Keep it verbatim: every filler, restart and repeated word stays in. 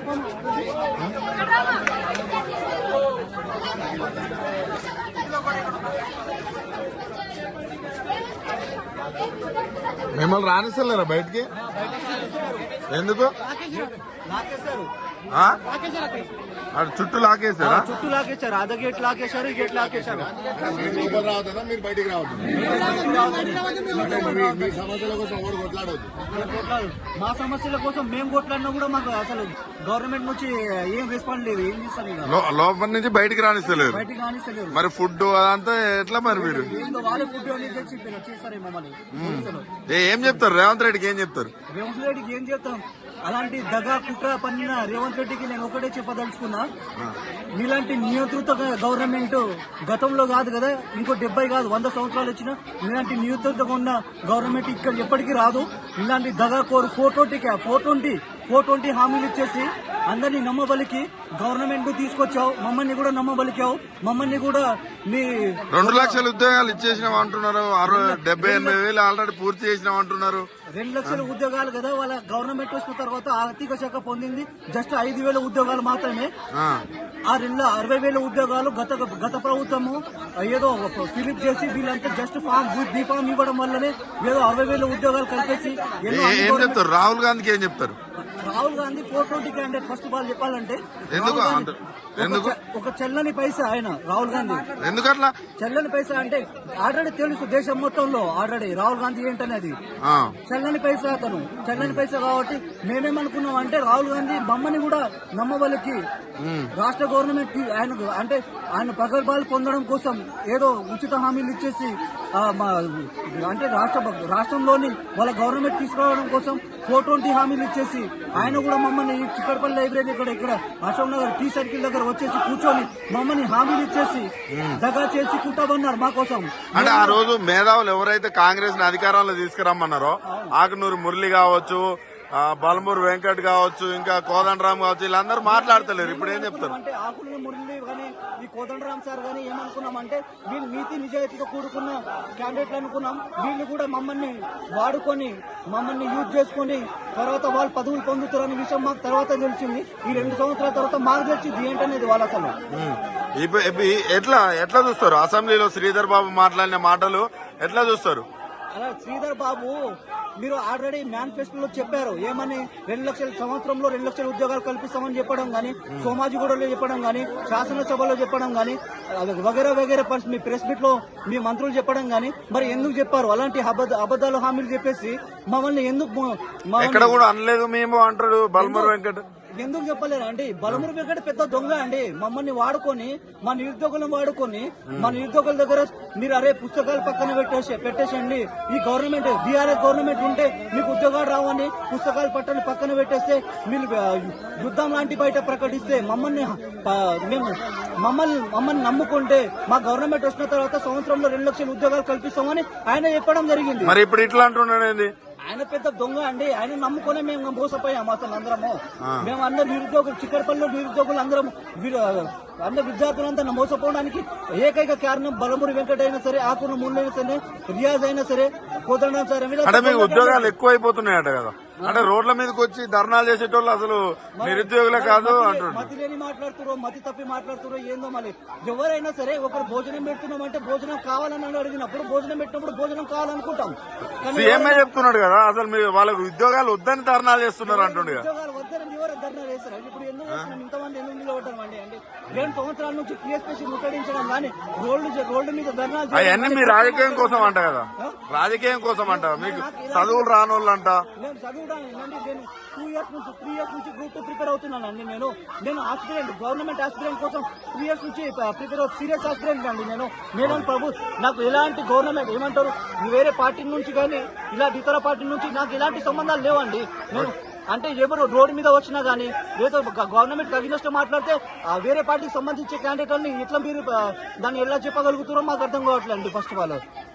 మిమ్మల్ని రానిస్తలేరా బయటికి? ఎందుకు? చుట్టూ లాకేసారా? చుట్టూ లాకేశారు. అద గేట్ లాకేశారు, ఈ గేట్ లాకేశారు. లోపల రావద్దా, మీరు బయటికి రావద్దు. మీ సమస్యల కోసం ఎవరు కొట్లాడవద్దు. మా సమస్యల కోసం మేము కొట్లాడినా కూడా మాకు అసలు గవర్నమెంట్ నుంచి ఏం రెస్పాన్స్ లేదు. ఏం చేస్తాను లోపల నుంచి బయటికి రానిస్తలేదు. బయటికి రానిస్తలేదు. మరి ఫుడ్ అదంతా ఎట్లా మరి? మీరు వాళ్ళే ఫుడ్ అని తెచ్చి చేస్తారు మమ్మల్ని. ఏం చెప్తారు రేవంత్ రెడ్డికి? ఏం చెప్తారు రేవంత్ రెడ్డికి? ఏం చెప్తాం? అలాంటి దగా కుట్ర పన్నిన రేవంత్ రెడ్డికి నేను ఒకటే చెప్పదలుచుకున్నా, మీలాంటి నియంత్రిత గవర్నమెంట్ గతంలో కాదు కదా, ఇంకో డెబ్బై కాదు వంద సంవత్సరాలు వచ్చినా మీలాంటి నియంత్రితగా ఉన్న గవర్నమెంట్ ఇక్కడ ఎప్పటికీ రాదు. ఇలాంటి దగా కోరు ఫోర్ ట్వంటీకి ఫోర్ ట్వంటీ ఫోర్ ట్వంటీ హామీలు ఇచ్చేసి అందరినీ నమ్మబలికి గవర్నమెంట్ తీసుకొచ్చావు. మమ్మల్ని కూడా నమ్మబలికావు. మమ్మల్ని కూడా మీ రెండు లక్షల ఉద్యోగాలు ఇచ్చేసినాం అంటున్నారు. డెబ్బై ఎనభై వేలు ఆల్రెడీ పూర్తి చేసినాం అంటున్నారు. రెండు లక్షల ఉద్యోగాలు కదా వాళ్ళ గవర్నమెంట్ వచ్చిన తర్వాత ఆర్థిక శాఖ పొందింది జస్ట్ ఐదు వేల ఉద్యోగాలు మాత్రమే. ఆ రెండు అరవై వేల ఉద్యోగాలు గత గత ప్రభుత్వము ఏదో ఫిలిప్ చేసి వీళ్ళంతా జస్ట్ ఫామ్ బీ ఫామ్ ఇవ్వడం వల్లనే ఏదో అరవై వేల ఉద్యోగాలు కలిపేసి ఏం చెప్తారు? రాహుల్ గాంధీకి ఏం చెప్తారు? Rahul Gandhi four twenty candidate. First of all చెప్పాలంటే ఎందుకు ఒక చెల్లని పైసా ఆయన రాహుల్ గాంధీ. ఎందుకట్లా చెల్లని పైసా అంటే ఆల్రెడీ తెలుసు దేశం మొత్తంలో ఆల్రెడీ రాహుల్ గాంధీ ఏంటనేది. చెల్లని పైసా అతను చెల్లని పైసా కాబట్టి మేమేమనుకున్నాం అంటే రాహుల్ గాంధీ మమ్మల్ని కూడా నమ్మవలికి రాష్ట్ర గవర్నమెంట్ ఆయన అంటే ఆయన ప్రగల్భాలు పొందడం కోసం ఏదో ఉచిత హామీలు ఇచ్చేసి అంటే రాష్ట్ర రాష్ట్రంలోని వాళ్ళ గవర్నమెంట్ తీసుకురావడం కోసం ఫోర్ ట్వంటీ హామీలు ఇచ్చేసి ఆయన కూడా మమ్మల్ని చిక్కడపల్లి లైబ్రరీ ఇక్కడ ఇక్కడ అశోక్ నగర్ టీ సర్కిల్ దగ్గర వచ్చేసి కూర్చొని మమ్మల్ని హామీలు ఇచ్చేసి దగా చేసి కుట్టాబన్నారు మా కోసం. అంటే ఆ రోజు మేధావులు ఎవరైతే కాంగ్రెస్ ని అధికారంలో తీసుకురమ్మన్నారో ఆకునూరు మురళి కావచ్చు, బలమూరు వెంకట్ కావచ్చు, ఇంకా కోదండరామ్ కావచ్చు, వీళ్ళందరూ మాట్లాడతలేరు. ఇప్పుడు ఏం చెప్తారు? అంటే ఆకునూరు మురళి కానీ ఈ కోదండరామ్ సార్ కానీ ఏమనుకున్నామంటే వీళ్ళు నీతి నిజాయితీగా కూడుకున్న క్యాండిడేట్లు అనుకున్నాం. వీళ్ళు కూడా మమ్మల్ని వాడుకొని మమ్మల్ని యూజ్ చేసుకుని తర్వాత వాళ్ళు పదవులు పొందుతారనే విషయం మాకు తర్వాత తెలిసింది. ఈ రెండు సంవత్సరాల తర్వాత మాకు తెలిసింది ఏంటనేది వాళ్ళు అసలు ఎట్లా ఎట్లా చూస్తారు? అసెంబ్లీలో శ్రీధర్ బాబు మాట్లాడిన మాటలు ఎట్లా చూస్తారు? అలా శ్రీధర్ బాబు మీరు ఆల్రెడీ మేనిఫెస్టోలో చెప్పారు ఏమని, రెండు లక్షల సంవత్సరంలో రెండు లక్షల ఉద్యోగాలు కల్పిస్తామని చెప్పడం గానీ, సోమాజిగూడలో చెప్పడం గానీ, శాసనసభలో చెప్పడం గానీ, వగేరా వగేరా మీ ప్రెస్ మీట్ లో మీ మంత్రులు చెప్పడం గానీ, మరి ఎందుకు చెప్పారు? అలాంటి అబద్దాలు హామీలు చెప్పేసి మమ్మల్ని ఎందుకు ఎక్కడ కూడా అనలేదు మేము అంటాడు బల్మూరు వెంకట్. ఎందుకు చెప్పలేరు అండి? బలమురు వెంకట పెద్ద దొంగ అండి. మమ్మల్ని వాడుకొని మా నిరుద్యోగులను వాడుకొని మా నిరుద్యోగుల దగ్గర మీరు అరే పుస్తకాలు పక్కన పెట్టేసి పెట్టేసండి ఈ గవర్నమెంట్ బీఆర్ఎస్ గవర్నమెంట్ ఉంటే మీకు ఉద్యోగాలు రావని పుస్తకాలు పట్టని పక్కన పెట్టేస్తే మీరు యుద్ధం లాంటి బయట ప్రకటిస్తే మమ్మల్ని మేము మమ్మల్ని మమ్మల్ని నమ్ముకుంటే మా గవర్నమెంట్ వచ్చిన తర్వాత సంవత్సరంలో రెండు లక్షల ఉద్యోగాలు కల్పిస్తామని ఆయన చెప్పడం జరిగింది. మరి ఇప్పుడు ఇట్లా అంటున్నాడు. ఆయన పెద్ద దొంగ అండి. ఆయన నమ్ముకునే మేము మోసపోయాము అసలు అందరము. మేము అందరు నిరుద్యోగులు చిక్కడపల్లిలో నిరుద్యోగులు అందరం అందరు విద్యార్థులంతా మోసపోవడానికి ఏకైక కారణం బలమూరి వెంకట అయినా సరే, ఆకుల ముళ్ళు అయినా సరే, రియాజ్ అయినా సరే, కోదండం సరే. ఉద్యోగాలు ఎక్కువైపోతున్నాయట కదా, అంటే రోడ్ల మీదకి వచ్చి ధర్నాలు చేసేటోళ్ళు అసలు నిరుద్యోగులే కాదు అంటున్నారు. మతి లేని మాట్లాడుతురో మతి తప్పి మాట్లాడుతురో ఏందో. మళ్ళీ ఎవరైనా సరే ఒకరు భోజనం పెడుతున్నామంటే భోజనం కావాలని అడిగినప్పుడు భోజనం పెట్టినప్పుడు భోజనం కావాలనుకుంటాం. సీఎంఏ చెప్తున్నాడు కదా అసలు మీరు వాళ్ళకు ఉద్యోగాలు వద్దని ధర్నాలు చేస్తున్నారు అంటుండే. ఉద్యోగాలు వద్దని ఎవరు ధర్నాలు చేస్తారు? ఇప్పుడు ఎందుకు ఇంతమంది ఎందుకు నిలబడ్డాం అండి? అంటే రెండు సంవత్సరాల నుంచి టీఎస్పీసీ ముట్టడించడం కానీ రోడ్డు రోడ్డు మీద ధర్నాలు అవన్నీ మీ రాజకీయం కోసం అంట కదా, రాజకీయం కోసం అంట. మీకు చదువులు రానోళ్ళు అంట. నేను చదువుడానికి నేను టూ ఇయర్స్ నుంచి త్రీ ఇయర్స్ నుంచి గ్రూప్ టూ ప్రిపేర్ అవుతున్నానండి. నేను నేను ఆస్పిరెంట్ గవర్నమెంట్ ఆస్పిరెంట్ కోసం త్రీ ఇయర్స్ నుంచి ప్రిపేర్ అవుతుంది. సీరియస్ ఆస్పిరెంట్ అండి నేను. నేను ప్రభు నాకు ఎలాంటి గవర్నమెంట్ ఏమంటారు వేరే పార్టీ నుంచి కానీ ఇలాంటి ఇతర పార్టీ నుంచి నాకు ఎలాంటి సంబంధాలు లేవండి. నేను అంటే ఎవరు రోడ్డు మీద వచ్చినా గానీ ఏదో గవర్నమెంట్ అగ్నిస్ట్ మాట్లాడితే వేరే పార్టీకి సంబంధించే క్యాండిడేట్ అని ఇట్లా మీరు దాన్ని ఎలా చెప్పగలుగుతారో మాకు అర్థం కావట్లేదు. First of all